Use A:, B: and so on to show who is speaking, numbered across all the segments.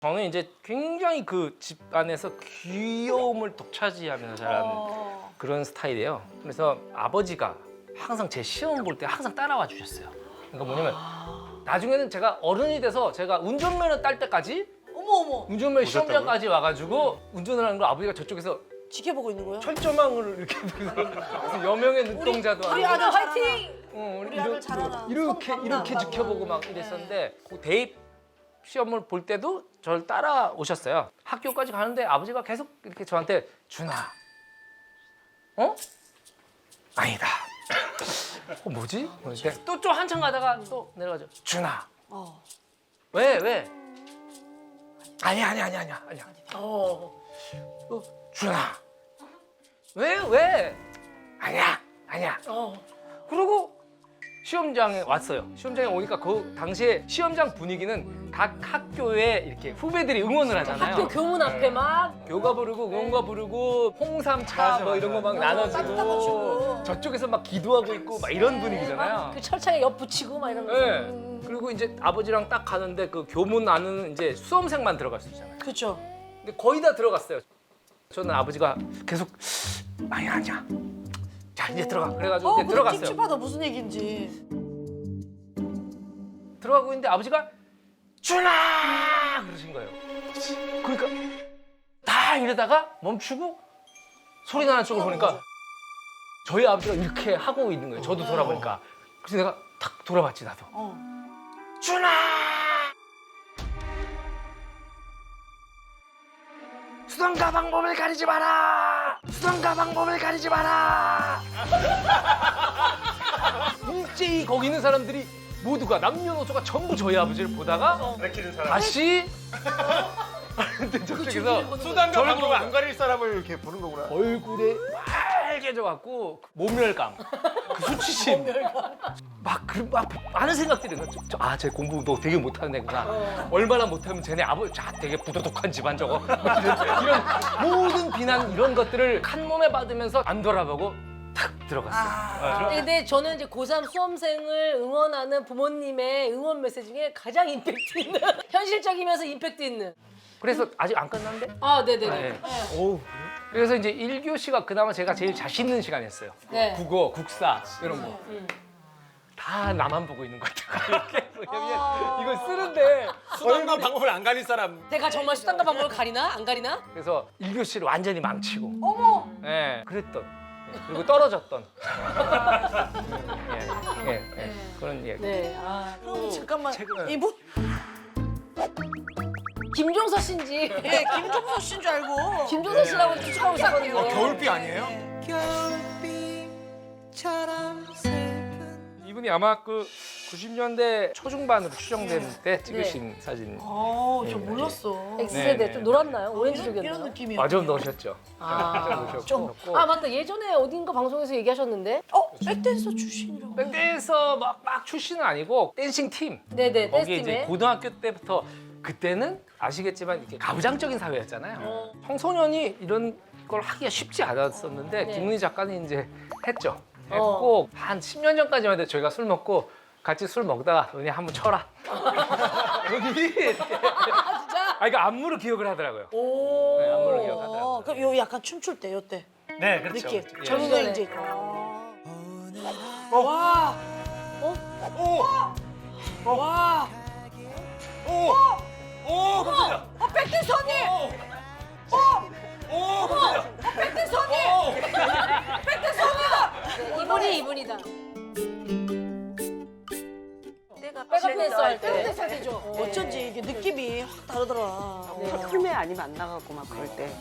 A: 저는 이제 굉장히 그 집 안에서 귀여움을 독차지하면서 자란 그런 스타일이에요. 그래서 아버지가 항상 제 시험 볼 때 항상 따라와 주셨어요. 그러니까 뭐냐면 나중에는 제가 어른이 돼서 제가 운전면허 딸 때까지
B: 어머
A: 운전면허 시험장까지 와가지고 운전을 하는 걸 아버지가 저쪽에서
B: 지켜보고 있는 거야?
A: 철조망을 이렇게 무슨 여명의 눈동자도
B: 우리
A: 아니고
B: 아들 화이팅!
A: 우리
B: 아들 잘하라.
A: 이렇게 지켜보고 막 이랬었는데 그 대입 시험을 볼 때도 저를 따라오셨어요. 학교까지 가는데 아버지가 계속 이렇게 저한테 준아, 어? 아니다. 뭐지? 또 좀 한참 가다가 또 내려가죠. 준아, 왜? 아니야. 준아, 왜? 아니야. 그리고 시험장에 왔어요. 시험장에 오니까 그 당시에 시험장 분위기는 각 학교에 이렇게 후배들이 응원을 하잖아요.
C: 학교 교문 앞에 막
A: 교가 부르고 응원가 부르고 홍삼차 뭐 이런 거 막
B: 따뜻한 거
A: 나눠주고
B: 주고.
A: 저쪽에서 막 기도하고 있고 막 이런 분위기잖아요.
C: 그 철창에 옆 붙이고 막 이런 거.
A: 네. 그리고 이제 아버지랑 딱 가는데 그 교문 안은 이제 수험생만 들어갈 수 있잖아요.
B: 그렇죠.
A: 근데 거의 다 들어갔어요. 저는 아버지가 계속 아니야. 자 이제 들어가. 그래가지고 이제 들어갔어요.
B: 찝찝하다 무슨 얘기인지.
A: 들어가고 있는데 아버지가 준아 그러신 거예요. 그러니까 다 이러다가 멈추고 소리 나는 쪽을 보니까 저희 아버지가 이렇게 하고 있는 거예요. 저도 돌아보니까. 그래서 내가 탁 돌아봤지 나도. 준아! 수단과 방법을 가리지 마라! 수단과 방법을 가리지 마라! 일제히 거기 있는 사람들이 모두가 남녀노소가 전부 저희 아버지를 보다가 다시 근데 저쪽에서
D: 수단과 방법을 안 가릴 사람을 이렇게 보는 거구나.
A: 얼굴에 빨개져 갖고 모멸감, 그 수치심, 막 많은 생각들이 제 공부 너 되게 못하는 애구나. 얼마나 못하면 쟤네 아버지 되게 부도덕한 집안 저거. 이런 모든 비난 이런 것들을 한 몸에 받으면서 안 돌아보고 탁 들어갔어요.
C: 근데 저는 이제 고3 수험생을 응원하는 부모님의 응원 메시지 중에 가장 임팩트 있는 현실적이면서 임팩트 있는.
A: 그래서 아직 안 끝났는데?
C: 아, 네네네.
A: 네. 그래서 이제 1교시가 그나마 제가 제일 자신 있는 시간이었어요.
C: 네.
A: 국어, 국사 이런 거. 다 나만 보고 있는 것 같아요. 이렇게 왜냐면 이걸 쓰는데
D: 수단과 방법을 안 가릴 사람.
C: 내가 정말 수단과 방법을 가리나? 안 가리나?
A: 그래서 1교시를 완전히 망치고
B: 어머.
A: 예, 그랬던 그리고 떨어졌던 그런 얘기.
C: 네. 아.
B: 그럼 잠깐만 이분
C: 김종서 씨인지.
B: 예 김종서 씨인 줄 알고.
C: 김종서 씨라고 추측하고 있었거든요.
D: 겨울비 아니에요?
A: 이분이 아마 그 90년대 초중반으로 추정되는 때 찍으신 사진.
B: 저 몰랐어.
C: X세대
A: 네,
C: 좀
A: 네.
C: 놀았나요?
B: 이런
C: 오렌지족이었나요?
B: 느낌이야.
A: 좀 넣으셨죠. 좀 넣으셨고.
C: 아 맞다. 예전에 어딘가 방송에서 얘기하셨는데.
B: 백댄서 출신이라고.
A: 밴드에서 막 출신은 아니고 댄싱 팀.
C: 네네.
A: 거기에 이제
C: 댄스팀에.
A: 고등학교 때부터 그때는 아시겠지만 이렇게 가부장적인 사회였잖아요. 청소년이 이런 걸 하기가 쉽지 않았었는데
C: 네.
A: 김은희 작가는 이제 했죠. 했고 한 10년 전까지만 해도 저희가 술 먹고 같이 술 먹다가 은희 한번 쳐라. 은희 이렇게.
C: 진짜?
A: 아 이거 안무를 기억을 하더라고요.
B: 오.
A: 네, 안무를 기억하더라고요.
B: 그럼 요 약간 춤출 때 요때
A: 네, 그렇죠.
B: 느낌.
A: 그렇죠. 예.
B: 젊은 이제. 와. 와.
D: 오, 깜짝이야.
B: 백댄서 언니.
D: 오, 깜짝이야.
B: 백댄서 언니. 백댄서 언니다.
C: 이분이다.
E: 내가
C: 백업 댄서 할 때.
B: 백댄서 되죠. 어쩐지 이게 느낌이 확 다르더라.
E: 풀메 아니면 안 나가고 막 그럴 때.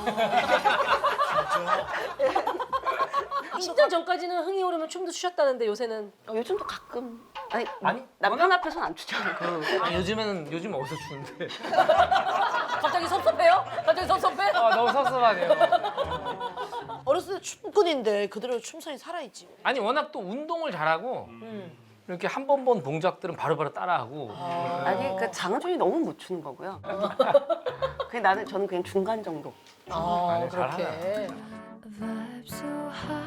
C: 10년 전까지는 흥이 오르면 춤도 추셨다는데 요새는
E: 요즘도 가끔. 아니,
A: 아니,
E: 남편 앞에서는 안 추잖아요.
A: 요즘 어디서 추는데?
C: 갑자기 섭섭해요? 갑자기 섭섭해?
A: 아 너무 섭섭하네요.
B: 어렸을 때 춤꾼인데 그대로 춤선이 살아있지.
A: 아니 워낙 또 운동을 잘하고 이렇게 한 번 본 동작들은 바로바로 따라하고.
E: 아니, 그러니까 장준이 너무 못 추는 거고요. 저는 그냥 중간 정도.
C: 아
A: 아니,
C: 그렇게.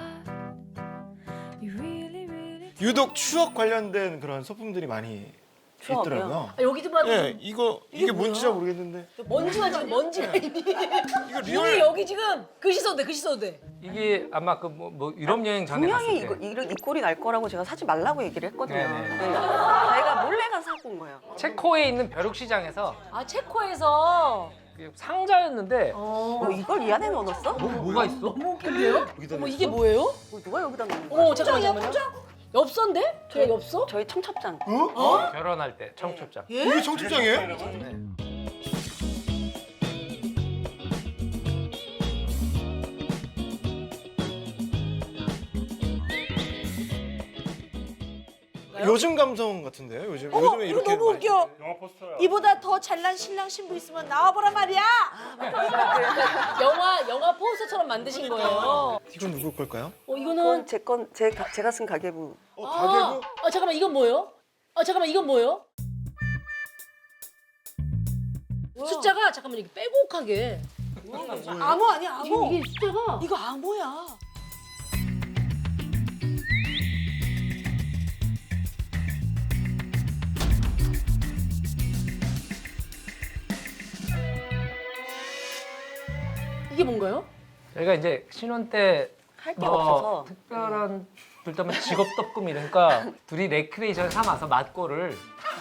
D: 유독 추억 관련된 그런 소품들이 많이
C: 추억이요.
D: 있더라고요.
C: 아, 여기도 봐도
D: 예, 이게 뭔지 잘 모르겠는데.
C: 먼지가 지금 먼지가 있니?
D: 이거
C: 우리
D: 리얼
C: 여기 지금 글씨 써도 돼, 글씨 써도 돼.
A: 이게 아마 그 뭐 유럽 여행 전에 갔을
E: 분명히
A: 때
E: 이런 이 꼴이 날 거라고 제가 사지 말라고 얘기를 했거든요.
A: 네네.
E: 네. 자기가 몰래 가서 사고 온 거예요.
A: 체코에 있는 벼룩시장에서
C: 아, 체코에서.
A: 상자였는데
E: 이걸 이 안에 넣어놨어?
A: 뭐가 있어?
C: 너무 웃긴데요? 어머, 이게 뭐예요?
E: 누가 여기다 넣는 거야?
C: 어머, 잠깐만요. 엽서인데? 제가 엽서?
E: 저희 청첩장.
A: 결혼할 때 청첩장.
D: 이게 청첩장이에요? 요즘 감성 같은데요? 요즘에
B: 이거
D: 이렇게
B: 너무
D: 많이
B: 웃겨.
D: 영화 포스터야.
B: 이보다 더 잘난 신랑 신부 있으면 나와보란 말이야.
C: 영화 포스터처럼 만드신 거예요.
D: 이건 누구 걸까요?
C: 이거는
E: 그건 제가 쓴 가계부.
D: 가계부?
C: 잠깐만, 이건 뭐예요? 잠깐만, 이건 뭐예요? 숫자가 잠깐만 이렇게 빼곡하게.
B: 암호 아니야 암호.
C: 이게 숫자가
B: 이거 암호야.
C: 이게 뭔가요?
A: 저희가 이제 신혼 때
E: 할 게 없어서.
A: 특별한 둘다면 직업덕금 이러니까 둘이 레크레이션 삼아서 맞고를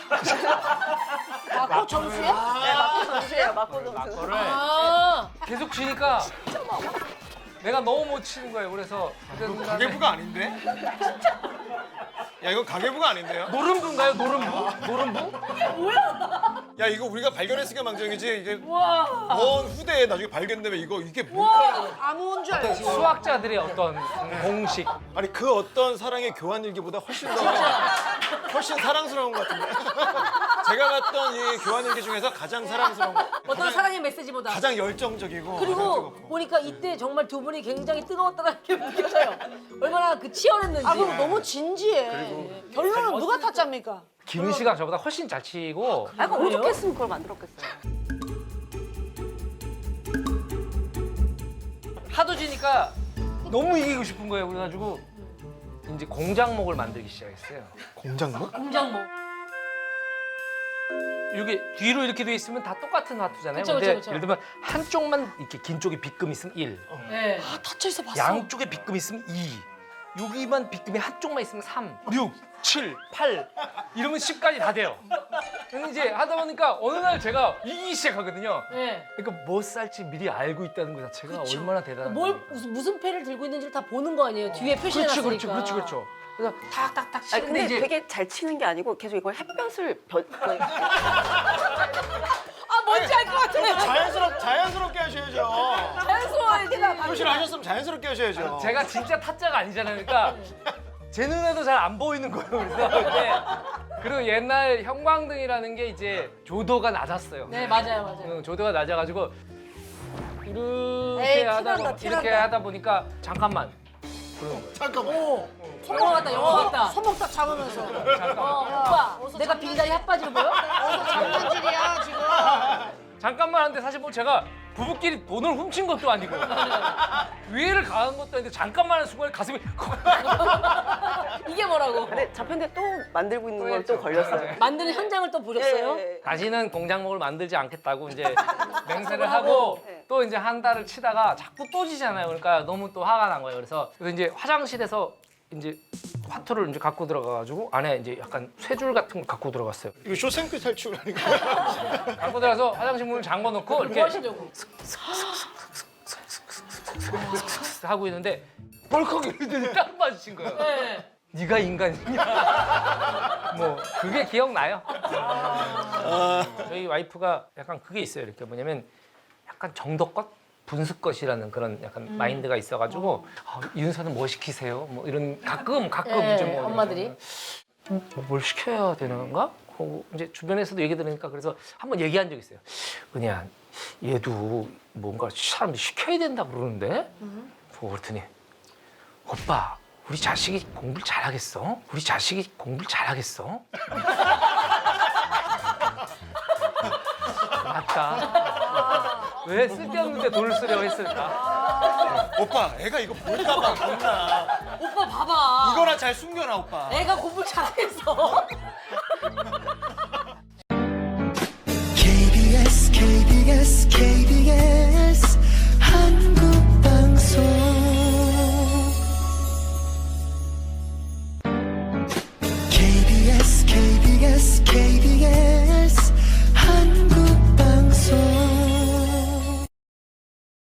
B: 맞고 점수야?
E: 맞고 점수예요. 맞고 점수.
A: 맞고를
C: 아,
A: 계속 치니까 내가 너무 못 치는 거예요. 그래서
D: 가계부가 아닌데? 야 이거 가계부가 아닌데요?
A: 노름부인가요? 노름부?
D: 야 이거 우리가 발견했으니까 망정이지 이게
C: 와.
D: 먼 후대에 나중에 발견되면 이게 뭘까?
B: 암호인 줄 알지.
A: 수학자들의 어떤 공식.
D: 아니 그 어떤 사랑의 교환 일기보다 훨씬 사랑스러운 것 같은데. 제가 봤던 이 교환 일기 중에서 가장 사랑스러운 거.
C: 어떤 사랑의 메시지보다.
D: 가장 열정적이고.
C: 그리고
D: 가장 뜨겁고.
C: 보니까 이때 정말 두 분이 굉장히 뜨거웠다는 게 느껴져요. 얼마나 그 치열했는지.
B: 아 그럼 너무 진지해. 결론은 누가 탔잡니까?
A: 김은 씨가 저보다 훨씬 잘 치고
E: 아, 그럼 오죽했으면 그걸 만들었겠어요.
A: 하도 지니까 너무 이기고 싶은 거예요. 그래가지고 이제 공장목을 만들기 시작했어요.
D: 공장목?
C: 공장모.
A: 이게 뒤로 이렇게 돼 있으면 다 똑같은 화투잖아요.
C: 그쵸,
A: 근데
C: 그쵸.
A: 예를 들면 한쪽만 이렇게 긴 쪽에 빗금 있으면 1,
C: 네.
B: 아 닫혀 있어 봤어.
A: 양쪽에 빗금 있으면 2, 여기만 빗금이 한쪽만 있으면 3, 6, 7, 8 이러면 10까지 다 돼요. 근데 이제 하다 보니까 어느 날 제가 이기기 시작하거든요.
C: 네.
A: 그러니까 뭐 쌀지 미리 알고 있다는 것 자체가 얼마나 대단한 거예요.
C: 무슨 패를 들고 있는지를 다 보는 거 아니에요? 뒤에 표시해놨으니까.
A: 그렇죠. 그래서 탁탁탁
E: 아,
A: 치는데
E: 근데
A: 이제
E: 되게 잘 치는 게 아니고 계속 이걸 햇볕을
C: 아, 뭔지 알 것 같아.
D: 자연스럽게 하셔야죠.
C: 자연스러워야 되나?
D: 표시를 하셨으면 자연스럽게 하셔야죠.
A: 제가 진짜 타짜가 아니잖아요. 그러니까 제 눈에도 잘 안 보이는 거예요. 그래서 근데 그리고 옛날 형광등이라는 게 이제 조도가 낮았어요.
C: 네, 맞아요.
A: 조도가 낮아가지고 이렇게
B: 에이,
A: 하다
B: 티난다,
A: 이렇게
B: 티난다.
A: 하다 보니까 잠깐만
D: 잠깐만.
C: 영화 같다, 영화 같다.
B: 손목 딱 잡으면서.
C: 오빠, 내가 빙다리 핫바지로 보여?
B: 장난질이야 지금.
A: 잠깐만 하는데 사실 뭐 제가 부부끼리 돈을 훔친 것도 아니고 위해를 가한 것도 아닌데 잠깐만 하는 순간에 가슴이
C: 이게 뭐라고?
E: 근데 잡혔는데 또 만들고 있는 걸 또 걸렸어요.
C: 만드는 현장을 또 보셨어요?
E: 예.
A: 다시는 공장목을 만들지 않겠다고 이제 맹세를 하고
E: 네.
A: 또 이제 한 달을 치다가 자꾸 또 지잖아요. 그러니까 너무 또 화가 난 거예요. 그래서 이제 화장실에서 이제 화투를 이제 갖고 들어가가지고 안에 이제 약간 쇠줄 같은 거 갖고 들어갔어요.
D: 이거 쇼생크 탈출 아닌가요?
A: 갖고 들어가서 화장실 문을 잠궈 놓고
C: 뭐
A: 이렇게
C: 하시려고?
A: 하고 있는데 벌컥 이러더니 딱 맞으신 거예요.
C: 네.
A: 네가 인간이냐? 뭐 그게 기억나요. 저희 와이프가 약간 그게 있어요. 이렇게 뭐냐면 약간 정도껏 분수껏이라는 그런 약간 마인드가 있어가지고 이윤서는 뭐 시키세요? 뭐 이런 가끔
C: 네,
A: 이제 뭐
C: 엄마들이.
A: 뭘 시켜야 되는 건가? 하고 이제 주변에서도 얘기 들으니까 그래서 한번 얘기한 적 있어요. 은희야, 얘도 뭔가 사람들이 시켜야 된다고 그러는데? 보고 그랬더니 오빠, 우리 자식이 공부를 잘하겠어? 우리 자식이 공부를 잘하겠어? 맞다. 왜 쓸데없는데 돈을 쓰려고 했을까?
D: 오빠, 애가 이거 볼까봐 겁나.
C: 오빠 봐봐.
D: 이거나 잘 숨겨놔, 오빠.
C: 애가 공부 잘했어.
F: KBS